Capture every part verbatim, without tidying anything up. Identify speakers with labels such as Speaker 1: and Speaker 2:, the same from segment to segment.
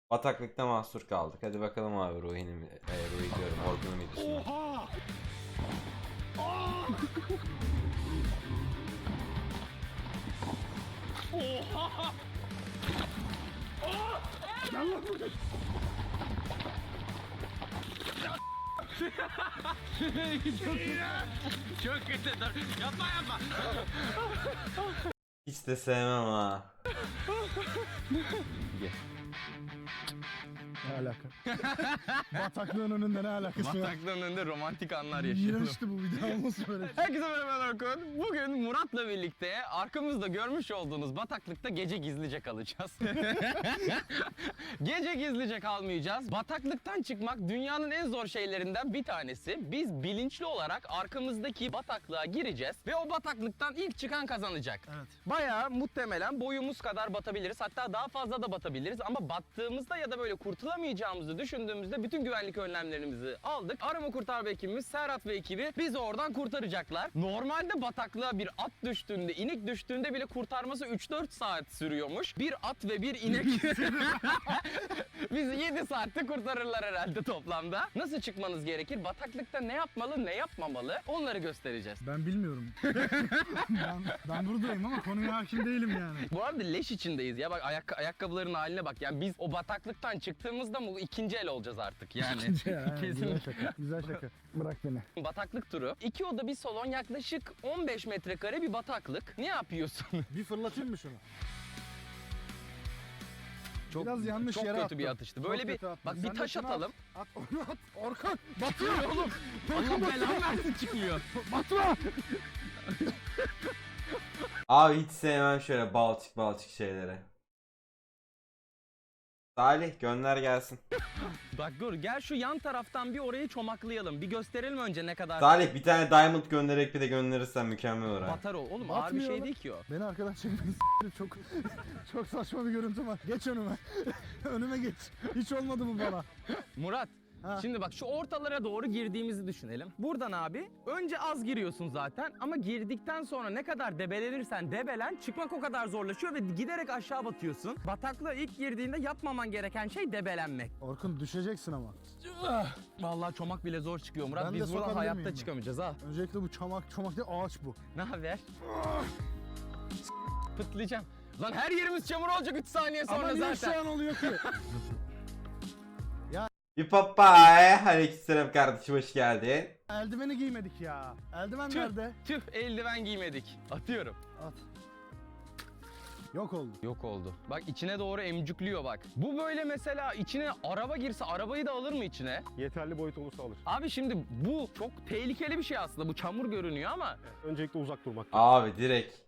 Speaker 1: Bataklıkta mahsur kaldık. Hadi bakalım abi Ruhi'nin, e, Ruhi diyorum, Orkun'un videosuna.
Speaker 2: Oha! Aa! Oha! Aa! Gel lan buraya.
Speaker 3: Çok kötü. Dur. Yapma yapma.
Speaker 1: Hiç de sevmem ha.
Speaker 2: Ne alaka? Bataklığın önünde ne alakası var?
Speaker 3: Bataklığın önünde romantik anlar yaşayalım.
Speaker 2: İğrençti bu video olmasın böyle.
Speaker 3: Herkese merhaba Orkun. Bugün Murat'la birlikte arkamızda görmüş olduğunuz bataklıkta gece gizlice kalacağız. Gece gizlice kalmayacağız. Bataklıktan çıkmak dünyanın en zor şeylerinden bir tanesi. Biz bilinçli olarak arkamızdaki bataklığa gireceğiz ve o bataklıktan ilk çıkan kazanacak.
Speaker 2: Evet.
Speaker 3: Bayağı muhtemelen boyumuz kadar batabiliriz. Hatta daha fazla da batabiliriz ama battığımızda ya da böyle kurtulamayacağımızı düşündüğümüzde bütün güvenlik önlemlerimizi aldık. Arama kurtarma ekibimiz Serhat ve ekibi bizi oradan kurtaracaklar. Normalde bataklığa bir at düştüğünde, inek düştüğünde bile kurtarması üç dört saat sürüyormuş. Bir at ve bir inek bizi yedi saatte kurtarırlar herhalde toplamda. Nasıl çıkmanız gerekir? Bataklıkta ne yapmalı, ne yapmamalı? Onları göstereceğiz.
Speaker 2: Ben bilmiyorum. ben, ben buradayım ama konuya hakim değilim yani.
Speaker 3: Bu arada leş içindeyiz ya, bak ayak ayakkabıların haline bak. Yani biz o bataklıktan çıktığımızda mı ikinci el olacağız artık yani.
Speaker 2: Ya, güzel
Speaker 3: Kesinlikle.
Speaker 2: şaka. Güzel şaka. Bırak beni.
Speaker 3: Bataklık turu. İki oda bir salon, yaklaşık on beş metrekare bir bataklık. Ne yapıyorsun?
Speaker 2: Bir fırlatayım mı şunu?
Speaker 3: Çok,
Speaker 2: Biraz yanlış
Speaker 3: çok
Speaker 2: yere
Speaker 3: kötü
Speaker 2: attım.
Speaker 3: bir atıştı.
Speaker 2: Çok
Speaker 3: Böyle bir
Speaker 2: kötü attım.
Speaker 3: bak
Speaker 2: Sen
Speaker 3: bir
Speaker 2: de
Speaker 3: taş
Speaker 2: şunu
Speaker 3: atalım.
Speaker 2: At, at onu at. Orkan batıyor oğlum.
Speaker 3: Allah belanı versin, çıkmıyor.
Speaker 2: Batma.
Speaker 1: Abi hiç sevmem şöyle balçık balçık şeyleri. Salih gönder gelsin.
Speaker 3: Bak dur, gel şu yan taraftan bir orayı çomaklayalım. Bir gösterelim önce ne kadar
Speaker 1: Salih bir tane diamond göndererek bir de gönderirsen mükemmel olur ha.
Speaker 3: batar ol. Oğlum ağır bir
Speaker 2: Batmıyor
Speaker 3: şey
Speaker 2: lan.
Speaker 3: değil ki o.
Speaker 2: Beni arkadan çekmeyin. Çok çok saçma bir görüntü var. Geç önüme. Önüme geç. Hiç olmadı bu bana.
Speaker 3: Murat,
Speaker 2: Ha.
Speaker 3: şimdi bak şu ortalara doğru girdiğimizi düşünelim. Buradan abi önce az giriyorsun zaten ama girdikten sonra ne kadar debelenirsen debelen çıkmak o kadar zorlaşıyor ve giderek aşağı batıyorsun. Bataklığa ilk girdiğinde yapmaman gereken şey debelenmek.
Speaker 2: Orkun düşeceksin ama.
Speaker 3: Vallahi çomak bile zor çıkıyor Murat.
Speaker 2: Ben de
Speaker 3: Biz buradan
Speaker 2: sokabilir
Speaker 3: hayatta
Speaker 2: miyim ben?
Speaker 3: çıkamayacağız ha.
Speaker 2: Öncelikle bu çomak çomak değil ağaç bu.
Speaker 3: Ne haber? Pıtlayacağım. Lan her yerimiz çamur olacak üç saniye sonra
Speaker 2: Ama niye
Speaker 3: zaten.
Speaker 2: şu an oluyor ki?
Speaker 1: Bir papay. Aleykümselam kardeşim, hoş geldin.
Speaker 2: Eldiveni giymedik ya. Eldiven
Speaker 3: Tüh,
Speaker 2: nerede?
Speaker 3: tüh, eldiven giymedik. Atıyorum.
Speaker 2: At. Yok oldu.
Speaker 3: Yok oldu. Bak içine doğru emcükliyor bak. Bu böyle mesela içine araba girse arabayı da alır mı içine?
Speaker 4: Yeterli boyut olursa alır.
Speaker 3: Abi şimdi bu çok tehlikeli bir şey aslında. Bu çamur görünüyor ama.
Speaker 4: Öncelikle uzak durmak
Speaker 1: Abi direkt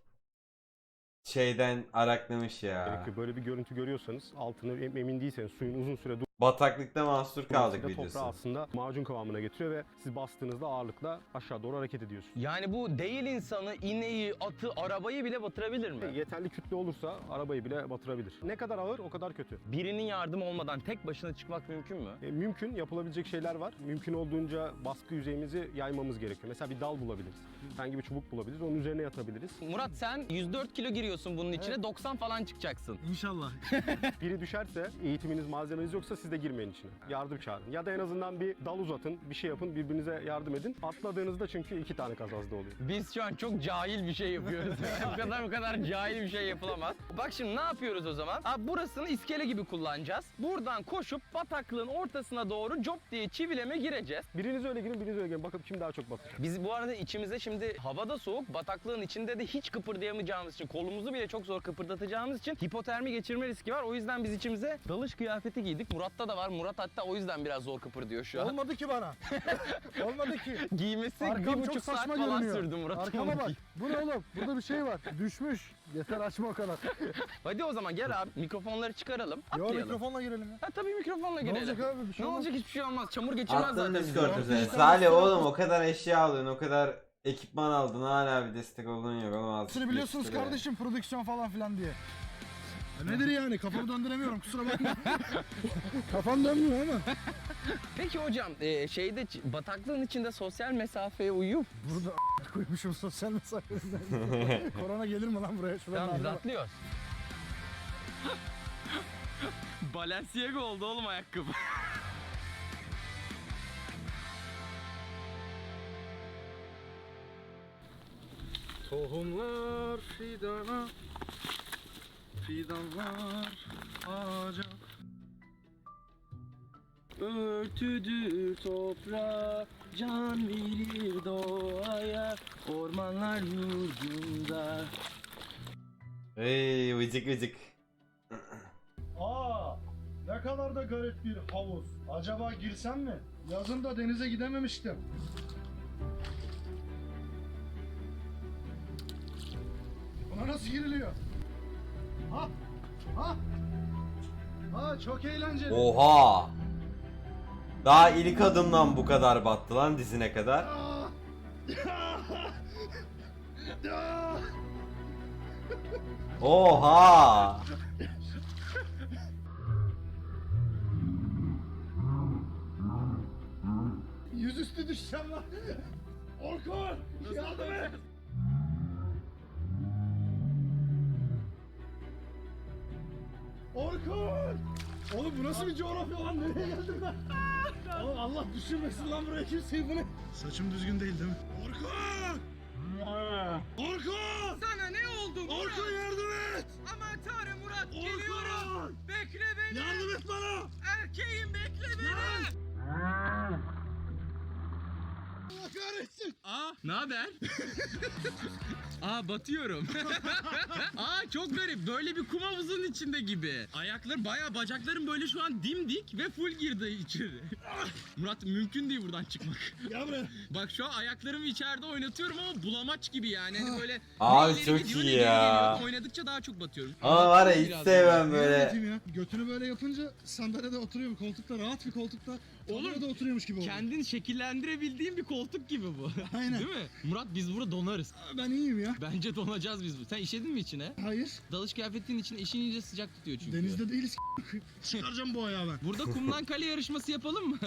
Speaker 1: şeyden araklamış ya.
Speaker 4: gerekiyor. Böyle bir görüntü görüyorsanız, altını em- emin değilseniz, suyun uzun süre
Speaker 1: Bataklıkta mahsur kaldık
Speaker 4: durmasıyla toprağı
Speaker 1: videosu.
Speaker 4: aslında macun kıvamına getiriyor ve siz bastığınızda ağırlıkla aşağı doğru hareket ediyorsunuz.
Speaker 3: Yani bu değil insanı, ineği, atı, arabayı bile batırabilir mi?
Speaker 4: Yeterli kütle olursa arabayı bile batırabilir. Ne kadar ağır o kadar kötü.
Speaker 3: Birinin yardımı olmadan tek başına çıkmak mümkün mü?
Speaker 4: E, mümkün, yapılabilecek şeyler var. Mümkün olduğunca baskı yüzeyimizi yaymamız gerekiyor. Mesela bir dal bulabiliriz. Herhangi bir çubuk bulabiliriz. Onun üzerine yatabiliriz.
Speaker 3: Murat sen yüz dört kilo giriyorsun bunun içine, doksan falan çıkacaksın.
Speaker 2: İnşallah.
Speaker 4: Biri düşerse, eğitiminiz, malzemeniz yoksa siz de girmeyin içine. Yardım çağırın. Ya da en azından bir dal uzatın, bir şey yapın, birbirinize yardım edin. Atladığınızda çünkü iki tane kazazda oluyor.
Speaker 3: Biz şu an çok cahil bir şey yapıyoruz. bu kadar bu kadar cahil bir şey yapılamaz. Bak şimdi ne yapıyoruz o zaman? Abi burasını iskele gibi kullanacağız. Buradan koşup bataklığın ortasına doğru cop diye çivileme gireceğiz.
Speaker 4: Biriniz öyle girin, biriniz öyle girin. Bakın kim daha çok batır.
Speaker 3: Biz bu arada içimize şimdi havada soğuk, bataklığın içinde de hiç kıpırdayamayacağımız için, kolumuzu bile çok zor kıpırdatacağımız için hipotermi geçirme riski var. O yüzden biz içimize dalış kıyafeti giydik. Murat'ta da var. Murat hatta o yüzden biraz zor kıpırdıyor şu an.
Speaker 2: Olmadı ki bana. Olmadı ki.
Speaker 3: Giymesi
Speaker 2: Arkam
Speaker 3: bir
Speaker 2: çok
Speaker 3: buçuk saat
Speaker 2: saçma
Speaker 3: falan
Speaker 2: görünüyor.
Speaker 3: sürdü Murat'ın.
Speaker 2: Arkama
Speaker 3: onu
Speaker 2: bak.
Speaker 3: giy-
Speaker 2: Bu ne oğlum? Burada bir şey var. Düşmüş. Yeter açma o kadar.
Speaker 3: Hadi o zaman gel abi mikrofonları çıkaralım.
Speaker 2: Yo
Speaker 3: Atlayalım.
Speaker 2: mikrofonla girelim ya.
Speaker 3: Ha tabii mikrofonla
Speaker 2: Ne
Speaker 3: girelim.
Speaker 2: olacak abi? Bir şey
Speaker 3: Ne
Speaker 2: olmaz.
Speaker 3: olacak, hiçbir şey olmaz. Çamur geçirmez
Speaker 1: Attın
Speaker 3: zaten.
Speaker 1: Discord
Speaker 2: bizi.
Speaker 1: üzerine.
Speaker 2: Discord
Speaker 1: Salih
Speaker 2: üstüne
Speaker 1: oğlum
Speaker 2: attın.
Speaker 1: o kadar eşya aldın, o kadar ekipman aldın, hala bir destek olduğun yok oğlum. azıcık
Speaker 2: Siz biliyorsunuz
Speaker 1: geçti be.
Speaker 2: kardeşim prodüksiyon falan filan diye. Ya nedir yani? Kafamı döndüremiyorum kusura bakma. Kafam dönmüyor ama.
Speaker 3: Peki hocam e, şeyde ç- bataklığın içinde sosyal mesafeye uyup
Speaker 2: Burada koymuşum sosyal mesafesinden. Korona gelir mi lan buraya? Şuradan
Speaker 3: tamam biz
Speaker 2: ağzına bak.
Speaker 3: atlıyoruz. Balenciaga oldu oğlum ayakkabı.
Speaker 2: Tohumlar fidana, fidanlar ağaca.
Speaker 3: Örtüdür toprağa, can verir doğaya, ormanlar yurdunda.
Speaker 1: Hey vıcık vıcık.
Speaker 2: Aa, ne kadar da garip bir havuz. Acaba girsem mi? Yazın da denize gidememiştim. Buna nasıl giriliyor? Ha? Ha? Ha, çok eğlenceli.
Speaker 1: Oha. Daha ilk adımdan bu kadar battı lan dizine kadar.
Speaker 2: Aa! Aa!
Speaker 1: Oha.
Speaker 2: Yüzüstü düşeceğim lan. Orkun! Yardım et! Orkun! Oğlum bu nasıl bir coğrafya lan? Nereye geldim ben? Oğlum Allah düşürmesin lan buraya kimseyi bunu. Saçım düzgün değil değil mi? Orkun! Orkun!
Speaker 3: Sana ne oldu Murat?
Speaker 2: Orkun yardım et!
Speaker 3: Aman tanrım Murat,
Speaker 2: Orkun!
Speaker 3: geliyorum. Bekle beni.
Speaker 2: Yardım et bana!
Speaker 3: Erkeğim bekle beni.
Speaker 2: Allah kahretsin!
Speaker 3: Aa, ne haber? Aa, batıyorum. Aa, çok garip. Böyle bir kum havuzunun içinde gibi. Ayaklar bayağı, bacaklarım böyle şu an dimdik ve full girdi içeri. Murat, mümkün değil buradan çıkmak.
Speaker 2: Gel buraya.
Speaker 3: Bak şu an ayaklarımı içeride oynatıyorum ama bulamaç gibi yani. Hani böyle
Speaker 1: Abi
Speaker 3: ne ileri
Speaker 1: çok
Speaker 3: gidiyor,
Speaker 1: iyi
Speaker 3: ne geri
Speaker 1: ya.
Speaker 3: geliyor. Oynadıkça daha çok batıyorum.
Speaker 1: Ama var ya hiç
Speaker 3: Biraz
Speaker 1: sevmem
Speaker 2: Böyle
Speaker 1: böyle.
Speaker 2: yapayım ya. Götünü böyle yapınca sandalyede oturuyorum. Koltukta rahat bir koltukta. Oğlum da oturuyormuş gibi oldu.
Speaker 3: Kendin şekillendirebildiğin bir koltuk gibi bu.
Speaker 2: Aynen.
Speaker 3: Değil mi? Murat, biz burada donarız.
Speaker 2: Ben iyiyim ya.
Speaker 3: Bence donacağız biz bu. Sen işedin mi içine?
Speaker 2: Hayır.
Speaker 3: Dalış kıyafetinin içine işin iyice sıcak tutuyor çünkü.
Speaker 2: Denizde değiliz. Çıkaracağım bu ayağı ben.
Speaker 3: Burada kumdan kale yarışması yapalım mı?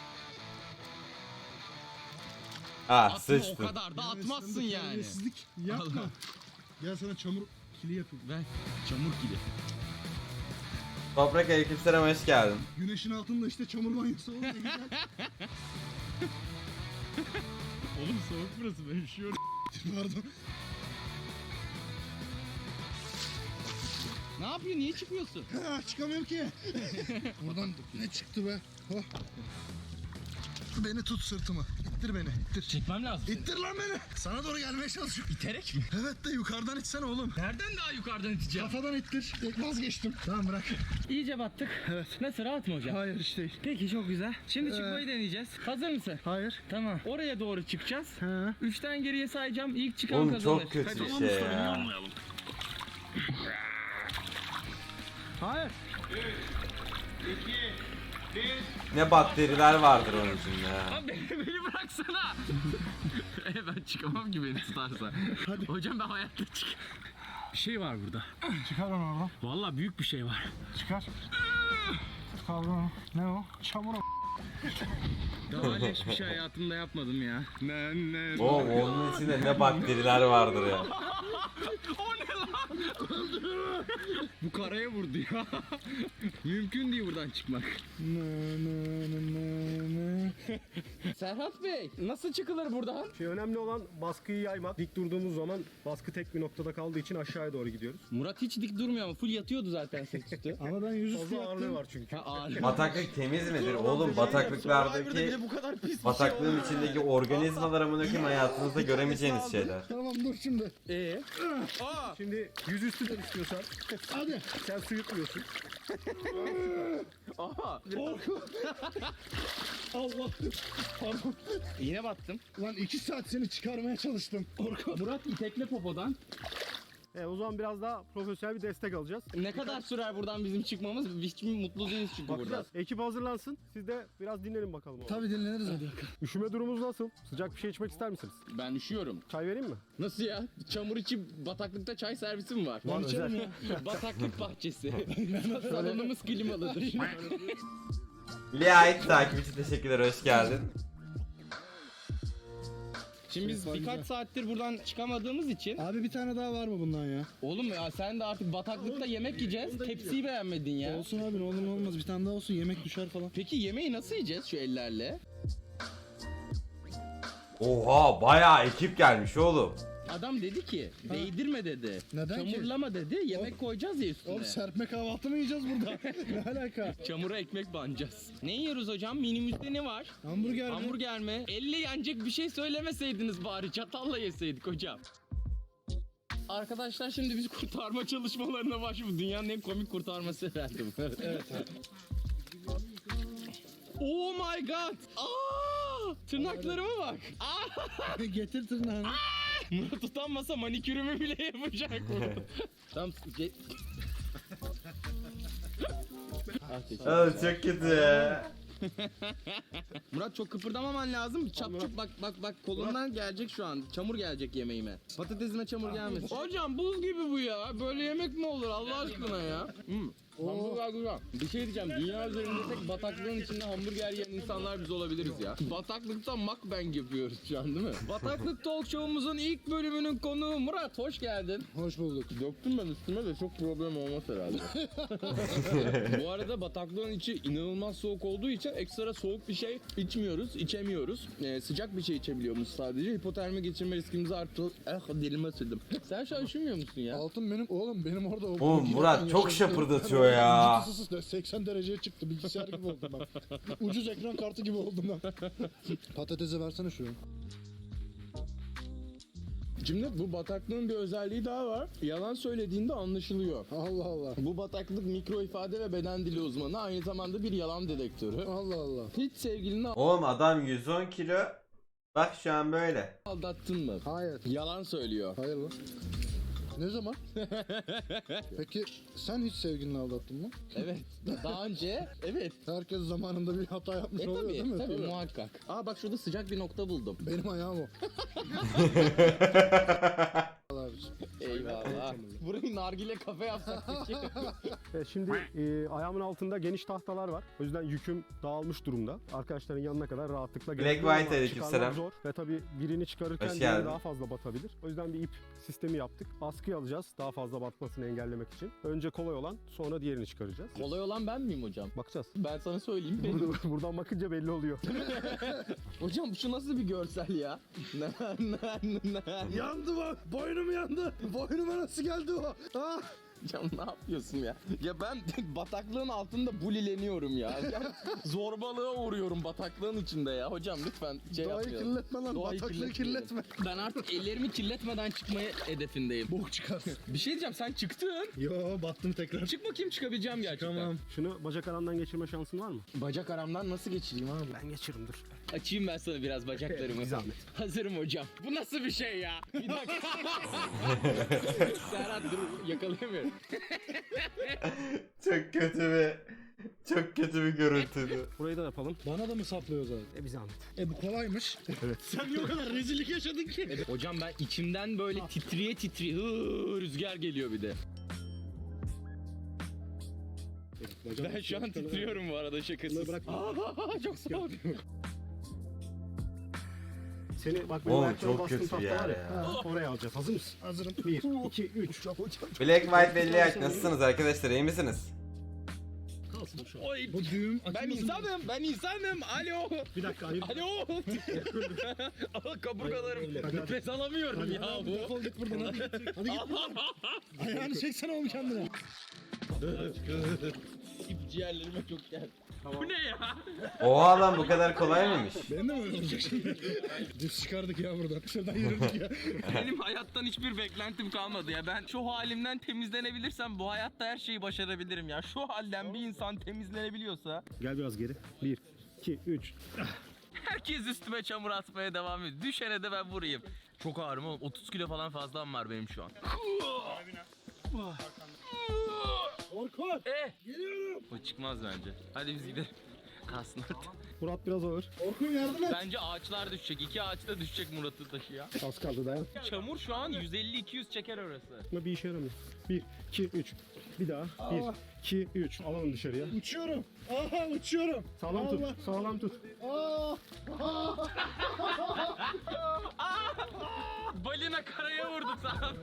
Speaker 1: Ha
Speaker 3: Atma, o
Speaker 1: sıçtın.
Speaker 3: kadar da
Speaker 2: Ya
Speaker 3: atmazsın
Speaker 2: sen de
Speaker 3: yani.
Speaker 2: terbiyesizlik yapma.
Speaker 3: Allah.
Speaker 2: Gel sana çamur kili yapayım.
Speaker 3: Ver. Çamur gibi.
Speaker 1: Toprak aleykümselam hoş geldin.
Speaker 2: Güneşin altında işte çamur banyosu oldu ne güzel.
Speaker 3: Oğlum soğuk burası, ben üşüyorum.
Speaker 2: Pardon.
Speaker 3: Ne yapıyor? Niye çıkmıyorsun?
Speaker 2: Ha, çıkamıyorum ki. Buradan ne çıktı be? Oh. Beni tut sırtıma. İttir beni. İttir.
Speaker 3: Çekmem lazım.
Speaker 2: İttir lan beni. Sana doğru gelmeye çalışıyorum.
Speaker 3: İterek mi?
Speaker 2: Evet de yukarıdan itsene oğlum.
Speaker 3: Nereden daha yukarıdan iteceğim?
Speaker 2: Kafadan ittir. Tek vazgeçtim. Tamam bırak.
Speaker 3: İyice battık.
Speaker 2: Evet.
Speaker 3: Nasıl, rahat mı hocam?
Speaker 2: Hayır hiç değil.
Speaker 3: Peki, çok güzel. Şimdi
Speaker 2: Ee,
Speaker 3: çıkmayı deneyeceğiz. Hazır mısın?
Speaker 2: Hayır.
Speaker 3: Tamam. Oraya doğru çıkacağız.
Speaker 2: Ha.
Speaker 3: Üçten geriye sayacağım. İlk çıkan
Speaker 1: Oğlum
Speaker 3: kazanır.
Speaker 1: çok kötü
Speaker 3: Hadi.
Speaker 1: bir şey ya.
Speaker 2: Hayır.
Speaker 1: Ne bakteriler vardır onun içinde ya.
Speaker 3: Abi beni, beni bıraksana. e ben çıkamam ki beni tutarsa.
Speaker 2: Hadi.
Speaker 3: Hocam ben hayatta çık. Bir şey var burada.
Speaker 2: Çıkar onu oradan.
Speaker 3: Vallahi büyük bir şey var.
Speaker 2: Çıkar. Çıkar onu. Ne o? Çamur o.
Speaker 3: Daha öyle hiçbir şey hayatımda yapmadım ya. Ne ne.
Speaker 1: Oğlum onun içinde ne bakteriler vardır ya.
Speaker 3: O ne lan? Bu karaya vurdu ya. Mümkün değil buradan çıkmak. Serhat Bey, nasıl çıkılır buradan?
Speaker 4: Şey, önemli olan baskıyı yaymak. Dik durduğumuz zaman baskı tek bir noktada kaldığı için aşağıya doğru gidiyoruz.
Speaker 3: Murat hiç dik durmuyor ama full yatıyordu zaten sırt üstü.
Speaker 2: Ama ben yüzüstü
Speaker 4: Fazla ağırlığı
Speaker 2: yattım.
Speaker 4: var çünkü.
Speaker 3: Ha, ağır.
Speaker 1: Bataklık temiz midir? Oğlum bataklıklardaki
Speaker 3: bu kadar pis
Speaker 1: bataklığın içindeki organizmalar amına koyayım hayatınızda göremeyeceğiniz şeyler.
Speaker 2: Tamam dur şimdi.
Speaker 3: Ee? Aa!
Speaker 4: Şimdi yüzüstü de istiyorsan
Speaker 2: Hadi.
Speaker 4: sen su yutmuyorsun.
Speaker 3: Aha!
Speaker 2: Allah. Pardon.
Speaker 3: Yine battım.
Speaker 2: Lan iki saat seni çıkarmaya çalıştım. Orkun.
Speaker 3: Murat, itekle popodan.
Speaker 4: E, o zaman biraz daha profesyonel bir destek alacağız.
Speaker 3: Ne kadar sürer buradan bizim çıkmamız? Hiç mi mutlu değiliz çünkü burada.
Speaker 4: Bakacağız. Ekip hazırlansın. Siz de biraz dinlenin bakalım.
Speaker 2: Tabii dinleniriz hadi.
Speaker 4: Üşüme durumumuz nasıl? Sıcak bir şey içmek ister misiniz?
Speaker 3: Ben üşüyorum.
Speaker 4: Çay vereyim mi?
Speaker 3: Nasıl ya? Çamur içi bataklıkta çay servisi mi var?
Speaker 4: Var,
Speaker 2: içerim
Speaker 4: özel.
Speaker 3: Bataklık bahçesi. Salonumuz klimalıdır.
Speaker 1: Liait takip için teşekkürler hoş geldin.
Speaker 3: Şimdi biz
Speaker 2: Şey,
Speaker 3: birkaç
Speaker 2: güzel.
Speaker 3: saattir buradan çıkamadığımız için.
Speaker 2: Abi bir tane daha var mı bundan ya?
Speaker 3: Oğlum ya sen de artık bataklıkta yemek yiyeceğiz. Tepsiyi beğenmedin ya.
Speaker 2: Olsun abi ne olur ne olmaz bir tane daha olsun yemek düşer falan.
Speaker 3: Peki yemeği nasıl yiyeceğiz şu ellerle?
Speaker 1: Oha bayağı ekip gelmiş oğlum.
Speaker 3: Adam dedi ki değdirme dedi.
Speaker 2: Neden ki?
Speaker 3: Çamurlama dedi. Yemek koyacağız ya üstüne.
Speaker 2: Oğlum serpme kahvaltı mı yiyeceğiz burada? Ne alaka?
Speaker 3: Çamura ekmek banacağız. Ne yiyoruz hocam? Menümüzde ne var?
Speaker 2: Hamburger mi?
Speaker 3: Hamburger mi? Elle yenecek bir şey söylemeseydiniz bari. Çatalla yeseydik hocam. Arkadaşlar şimdi biz kurtarma çalışmalarına başlıyoruz. Dünyanın en komik kurtarması herhalde bu. Evet. Oh my god! Aa! Tırnaklarıma bak. Aa!
Speaker 2: Getir tırnağını.
Speaker 3: Murat utanmasa manikürümü bile yapacak Murat. Tamam. ge- Ah, teşekkür
Speaker 1: Oğlum çok kötü ya.
Speaker 3: Murat çok kıpırdamaman lazım. Çap çap bak bak bak kolundan gelecek şu an. Çamur gelecek yemeğime. Patatesime çamur gelmesin. Hocam buz gibi bu ya. Böyle yemek mi olur Allah aşkına ya? Hmm. Hamburger güzel. Bir şey diyeceğim. Dünya üzerinde tek bataklığın içinde hamburger yiyen insanlar biz olabiliriz ya. Bataklıkta mukbang yapıyoruz şu an değil mi? Bataklık Talk Show'umuzun ilk bölümünün konuğu Murat. Hoş geldin.
Speaker 2: Hoş bulduk.
Speaker 3: Döktüm ben üstüme de çok problem olmaz herhalde. Bu arada bataklığın içi inanılmaz soğuk olduğu için ekstra soğuk bir şey içmiyoruz, içemiyoruz. Ee, sıcak bir şey içebiliyoruz sadece. Hipotermi geçirme riskimizi arttı. Eh dilime sürdüm. Sen şu an üşümüyor musun ya?
Speaker 2: Altın benim oğlum benim orada o.
Speaker 1: Oğlum Murat çok şapırdatıyor ya.
Speaker 2: seksen dereceye çıktı bilgisayar gibi oldum ben. Ucuz ekran kartı gibi oldum ben. Patatesi versene şuraya.
Speaker 3: Şimdi bu bataklığın bir özelliği daha var. Yalan söylediğinde anlaşılıyor.
Speaker 2: Allah Allah.
Speaker 3: Bu bataklık mikro ifade ve beden dili uzmanı, aynı zamanda bir yalan dedektörü.
Speaker 2: Allah Allah.
Speaker 3: Hiç sevgilini
Speaker 1: Oğlum adam yüz on kilo. Bak şu an böyle.
Speaker 3: aldattın mı?
Speaker 2: Hayır.
Speaker 3: Yalan söylüyor.
Speaker 2: Hayır lan. Ne zaman? Peki sen hiç sevgilini aldattın mı?
Speaker 3: Evet. Daha önce evet.
Speaker 2: Herkes zamanında bir hata yapmış
Speaker 3: E
Speaker 2: oluyor
Speaker 3: tabii,
Speaker 2: değil mi?
Speaker 3: tabii muhakkak. Aa bak şurada sıcak bir nokta buldum.
Speaker 2: Benim ayağım o. Allah abiciğim.
Speaker 3: Eyvallah. Burayı nargile kafe yapsak peki.
Speaker 4: Evet, şimdi e, ayağımın altında geniş tahtalar var. O yüzden yüküm dağılmış durumda. Arkadaşların yanına kadar rahatlıkla
Speaker 1: Black
Speaker 4: gelebiliyorum
Speaker 1: White
Speaker 4: ama
Speaker 1: aleykümselam.
Speaker 4: çıkarmak zor. Ve tabii birini çıkarırken
Speaker 1: Hoş
Speaker 4: diğeri
Speaker 1: geldin.
Speaker 4: daha fazla batabilir. O yüzden bir ip sistemi yaptık. Askıya alacağız daha fazla batmasını engellemek için. Önce kolay olan, sonra diğerini çıkaracağız.
Speaker 3: Kolay olan ben miyim hocam?
Speaker 4: Bakacağız.
Speaker 3: Ben sana söyleyeyim benim.
Speaker 4: Burada, buradan bakınca belli oluyor.
Speaker 3: Hocam şu nasıl bir görsel ya? Na, na, na.
Speaker 2: Yandı bak. Boynum yandı. Boynuma nasıl geldi o? Ah.
Speaker 3: Hocam ne yapıyorsun ya? Ya ben bataklığın altında bulileniyorum ya. Ya zorbalığa uğruyorum bataklığın içinde ya. Hocam lütfen şey
Speaker 2: Doğayı
Speaker 3: yapmayalım.
Speaker 2: kirletme lan.
Speaker 3: Doğayı
Speaker 2: Bataklığı
Speaker 3: kirletmeyelim.
Speaker 2: kirletme.
Speaker 3: Ben artık ellerimi kirletmeden çıkmaya hedefindeyim.
Speaker 2: Bok çıkar.
Speaker 3: Bir şey diyeceğim, sen çıktın.
Speaker 2: Yo battım tekrar.
Speaker 3: Çık bakayım, çıkabileceğim gerçekten.
Speaker 2: Tamam.
Speaker 4: Şunu bacak aramdan geçirme şansın var mı?
Speaker 3: Bacak aramdan nasıl geçireyim abi?
Speaker 4: Ben geçiririm dur.
Speaker 3: Açayım ben sana biraz bacaklarımı.
Speaker 4: Bir zahmet.
Speaker 3: Hazırım hocam. Bu nasıl bir şey ya? Bir dakika. Serhat dur, yakalayamıyorum.
Speaker 1: Çok kötü bir çok kötü bir görüntüydü.
Speaker 4: Burayı da yapalım.
Speaker 2: Bana da mı saplıyor zaten?
Speaker 4: E bir zahmet.
Speaker 2: E bu kolaymış.
Speaker 4: Evet.
Speaker 2: Sen niye o kadar rezillik yaşadın ki?
Speaker 3: Hocam ben içimden böyle titriye titriye hıı, rüzgar geliyor bir de. Ben şu an titriyorum bu arada şakasız.
Speaker 2: Bırak.
Speaker 3: Aa, çok soğuk.
Speaker 4: Seni bak benim
Speaker 1: Oğlum,
Speaker 4: ayaklarıma
Speaker 1: çok
Speaker 4: bastığım
Speaker 1: kötü
Speaker 4: tahta
Speaker 1: bir
Speaker 4: var
Speaker 1: yer
Speaker 4: ya.
Speaker 1: ya.
Speaker 4: Oraya alacağız. Hazır mısın?
Speaker 2: Hazırım.
Speaker 4: bir, iki, üç.
Speaker 1: Black White belli yak nasılsınız arkadaşlar, iyi misiniz?
Speaker 2: Kalsın şu an.
Speaker 3: Oy,
Speaker 2: Bu düğüm
Speaker 3: ben
Speaker 2: açılmasın.
Speaker 3: insanım, ben insanım. Alo.
Speaker 2: Bir dakika hayır.
Speaker 3: Alo. Aa, kaburgalarım. Nefes alamıyorum ya
Speaker 2: Hadi
Speaker 3: bu.
Speaker 2: defol git buradan hadi git. Hadi git buradan. Ayağını çeksene oğlum kendine.
Speaker 3: İp ciğerlerime çok geldi. Bu ne ya?
Speaker 1: Oha lan bu kadar kolay mıymış?
Speaker 2: Benim de mi öyle olacak şimdi? Düz çıkardık ya buradan. Şuradan yürüdük ya.
Speaker 3: Benim hayattan hiçbir beklentim kalmadı ya. Ben şu halimden temizlenebilirsem bu hayatta her şeyi başarabilirim ya. Şu halden bir insan temizlenebiliyorsa
Speaker 4: Gel biraz geri. bir, iki, üç.
Speaker 3: herkes üstüme çamur atmaya devam ediyor. Düşene de ben vurayım. Çok ağırım oğlum. otuz kilo falan fazlam var benim şu an.
Speaker 2: Orkun.
Speaker 3: Eh!
Speaker 2: Geliyorum.
Speaker 3: O çıkmaz bence. Hadi biz gidelim. Kalsın orada.
Speaker 4: Murat biraz ağır.
Speaker 2: Orkun yardım et.
Speaker 3: Bence ağaçlar düşecek. İki ağaç da düşecek Murat'ı taşıya.
Speaker 4: Az kaldı dayan.
Speaker 3: Çamur şu an yüz elli iki yüz çeker orası.
Speaker 4: Ama bir işe yaramıyor. bir, iki, üç. Bir daha. bir, iki, üç. Alalım dışarıya.
Speaker 2: Uçuyorum. Aha uçuyorum.
Speaker 4: Sağlam
Speaker 2: Allah.
Speaker 4: tut. Sağlam tut.
Speaker 2: Aa.
Speaker 3: Aa! balina karaya vurdu sana.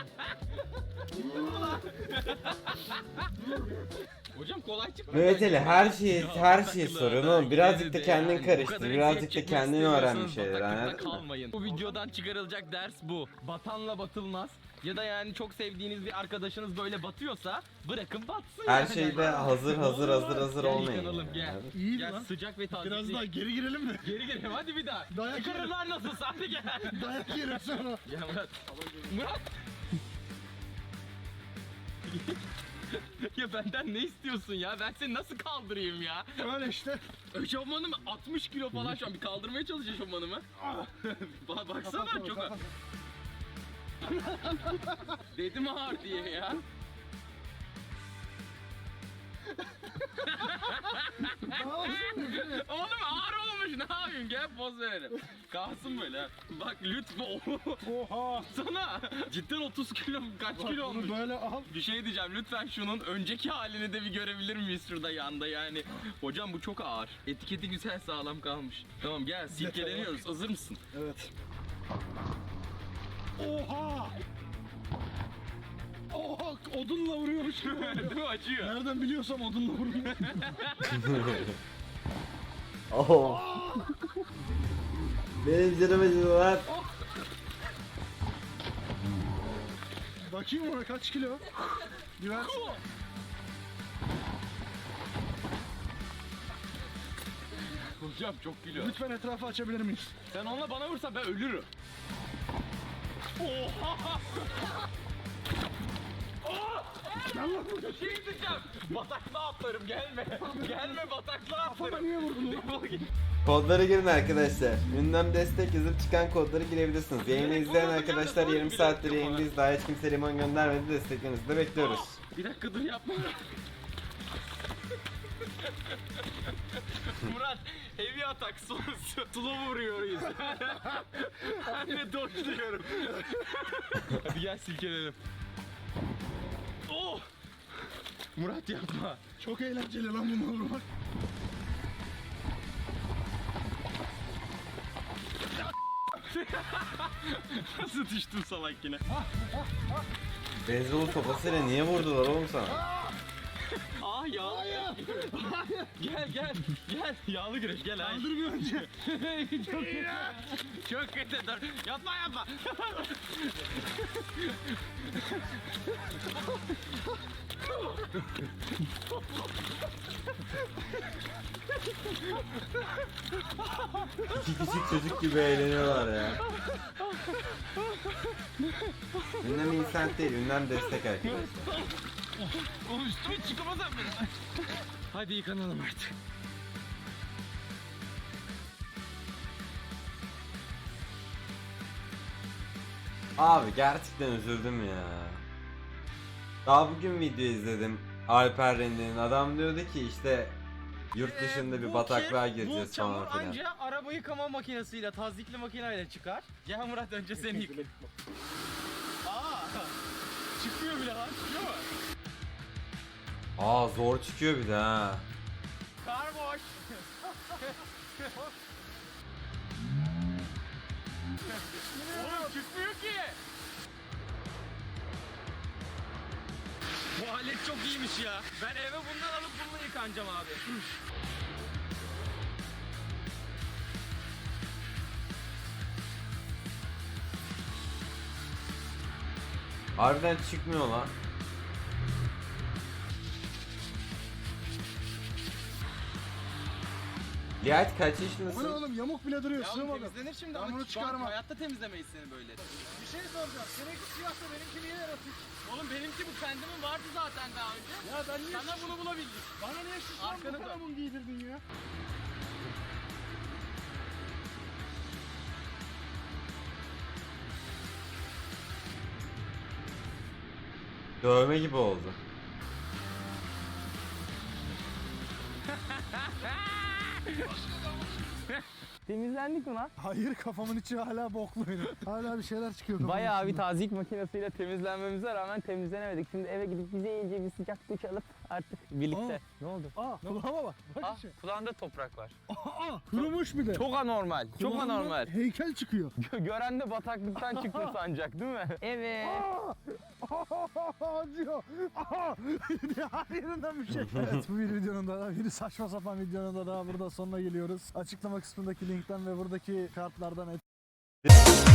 Speaker 3: Hocam kolay çıktı.
Speaker 1: Mehmet Ali her şeyi her şeyi
Speaker 3: Bataklığa
Speaker 1: soruyor oğlum.
Speaker 3: da
Speaker 1: Birazcık da
Speaker 3: girdi
Speaker 1: kendin
Speaker 3: yani. Bu
Speaker 1: karıştır.
Speaker 3: kadar
Speaker 1: Birazcık
Speaker 3: eziyet
Speaker 1: da
Speaker 3: çekmek
Speaker 1: kendin öğren bir
Speaker 3: istemiyorsanız
Speaker 1: şeyler,
Speaker 3: bataklıkta
Speaker 1: anladın mı?
Speaker 3: kalmayın. Bu videodan çıkarılacak ders bu. Batanla batılmaz. Ya da yani çok sevdiğiniz bir arkadaşınız böyle batıyorsa bırakın batsın.
Speaker 1: Her
Speaker 3: yani.
Speaker 1: şeyde hazır hazır hazır hazır
Speaker 3: Gel
Speaker 1: olmayın.
Speaker 3: yıkanalım, gel.
Speaker 1: yani.
Speaker 2: İyi
Speaker 3: Gel
Speaker 2: lan.
Speaker 3: sıcak ve taze.
Speaker 2: Biraz daha geri girelim mi?
Speaker 3: Geri girelim hadi bir daha.
Speaker 2: Dayak
Speaker 3: Çıkarın lan nasılsa hadi gel.
Speaker 2: Dayak yerim sonra.
Speaker 3: Gel Murat. Murat. Ya benden ne istiyorsun ya? Ben seni nasıl kaldırayım ya?
Speaker 2: Öyle işte.
Speaker 3: Eşofmanım altmış kilo falan şu an. Bir kaldırmaya çalış eşofmanımı. Ba baksana
Speaker 2: Kapat,
Speaker 3: çok...
Speaker 2: kapat.
Speaker 3: Dedim ağır diye ya. Oğlum ağır olmuş, ne yapayım, gel poz verelim. Kalsın böyle ha. Bak lütfen.
Speaker 2: Oha.
Speaker 3: Sana cidden otuz kilo mu, kaç
Speaker 2: Bak
Speaker 3: kilo
Speaker 2: bunu
Speaker 3: olmuş?
Speaker 2: böyle al.
Speaker 3: Bir şey diyeceğim, lütfen şunun önceki halini de bir görebilir miyiz şurada yanda yani. Hocam bu çok ağır. Etiketi güzel sağlam kalmış. Tamam gel silkeleniyoruz, hazır mısın?
Speaker 2: Evet. Oha. Oha odunla vuruyormuş gibi oluyor.
Speaker 3: Değil mi, acıyor?
Speaker 2: Nereden biliyorsam odunla vuruyor.
Speaker 1: Oho. Benim canım acıdı lan.
Speaker 2: Bakayım ona kaç kilo? Bir ver.
Speaker 3: Hocam çok kilo.
Speaker 2: Lütfen etrafı açabilir miyiz?
Speaker 3: Sen onunla bana vursan ben ölürüm. Oha!
Speaker 2: Gel lan buraya.
Speaker 3: Bir şey diyeceğim. Bataklığa atlarım, gelme. Gelme bataklığa
Speaker 2: Kafama
Speaker 3: atlarım.
Speaker 2: niye vurdun lan?
Speaker 3: Defol git.
Speaker 1: Kodlara girin arkadaşlar. Ünlem destek yazıp çıkan kodları girebilirsiniz. Yayını izleyen arkadaşlar yarım saattir yayındayız. Daha hiç kimse limon göndermedi. Desteklerinizi de bekliyoruz.
Speaker 3: Bir dakika dur yapma. Murat, heavy atak sonrası slow vuruyoruz. Ben de dodge'luyorum. Hadi gel silkelenelim. Oh! Murat yapma.
Speaker 2: Çok eğlenceli lan bunu vurmak.
Speaker 3: Nasıl düştün salak yine?
Speaker 1: Beyzbol sopasıyla niye vurdular oğlum sana?
Speaker 3: Aa yağlı. Gel gel gel. Yağlı güreş gel hayır.
Speaker 2: Kaldır bir önce.
Speaker 3: Çok kötü. Çok kötü dur. Yapma yapma.
Speaker 1: İki küçük çocuk gibi eğleniyorlar ya. Ünlem insent değil, ünlem destek arkadaşlar.
Speaker 3: Oğlum üstüme çıkamazsam ben. Hadi yıkanalım artık.
Speaker 1: Abi gerçekten üzüldüm ya. Daha bugün video izledim. Alper Rende'nin adam diyordu ki işte yurt dışında bir bataklığa gireceğiz
Speaker 3: bu çamur
Speaker 1: falan filan.
Speaker 3: anca araba yıkama makinesiyle, tazyikli makineyle çıkar. Gel Murat önce seni yık. Aa, çıkmıyor bile lan, çıkıyor mu?
Speaker 1: Aa zor çıkıyor bir de ha.
Speaker 3: Kar boş. Oğlum çıkmıyor ki. Bu alet çok iyiymiş ya. Ben eve bundan alıp bununla yıkanacağım abi.
Speaker 1: Harbiden çıkmıyor lan. Lihat kaç
Speaker 2: Bu ne
Speaker 1: yaşındasın?
Speaker 2: oğlum yamuk bile duruyor.
Speaker 3: Ya
Speaker 2: Sığmadım.
Speaker 3: temizlenir şimdi
Speaker 2: Ben
Speaker 3: ama
Speaker 2: bunu
Speaker 3: şu an
Speaker 2: çıkarmam.
Speaker 3: hayatta temizlemeyiz seni böyle.
Speaker 2: Bir şey soracağım. Seninki siyahsa benimki niye yaratık?
Speaker 3: Oğlum benimki bu kendimin vardı zaten daha önce.
Speaker 2: Ya ben niye
Speaker 3: Sana bunu bulabildik.
Speaker 2: Bana niye şu
Speaker 3: Arkanı
Speaker 2: son bu
Speaker 3: dön.
Speaker 2: kanamun giydirdin ya?
Speaker 1: Dövme gibi oldu.
Speaker 3: Temizlendik mi lan?
Speaker 2: Hayır, kafamın içi hala boklu benim. Hala bir şeyler çıkıyor kafamın
Speaker 3: Bayağı bir
Speaker 2: içinden.
Speaker 3: tazik makinesiyle temizlenmemize rağmen temizlenemedik. Şimdi eve gidip bize iyice bir sıcak duş alıp artık birlikte.
Speaker 2: Aa.
Speaker 3: Ne oldu?
Speaker 2: Aa, kulağıma bak. Bak
Speaker 3: Ah,
Speaker 2: işte.
Speaker 3: kulağında toprak var.
Speaker 2: Aa, kurumuş bir de.
Speaker 3: Çok anormal. Çok
Speaker 2: Kulağımdan
Speaker 3: anormal.
Speaker 2: heykel çıkıyor.
Speaker 3: Gören de bataklıktan çıktın sanacak değil mi? Evet.
Speaker 2: Acıyor. Aa! Her yerinden bir şey. Evet, bu bir videonun da, bir saçma sapan videonun da daha burada sonuna geliyoruz. Açıklama kısmındaki linkten ve buradaki kartlardan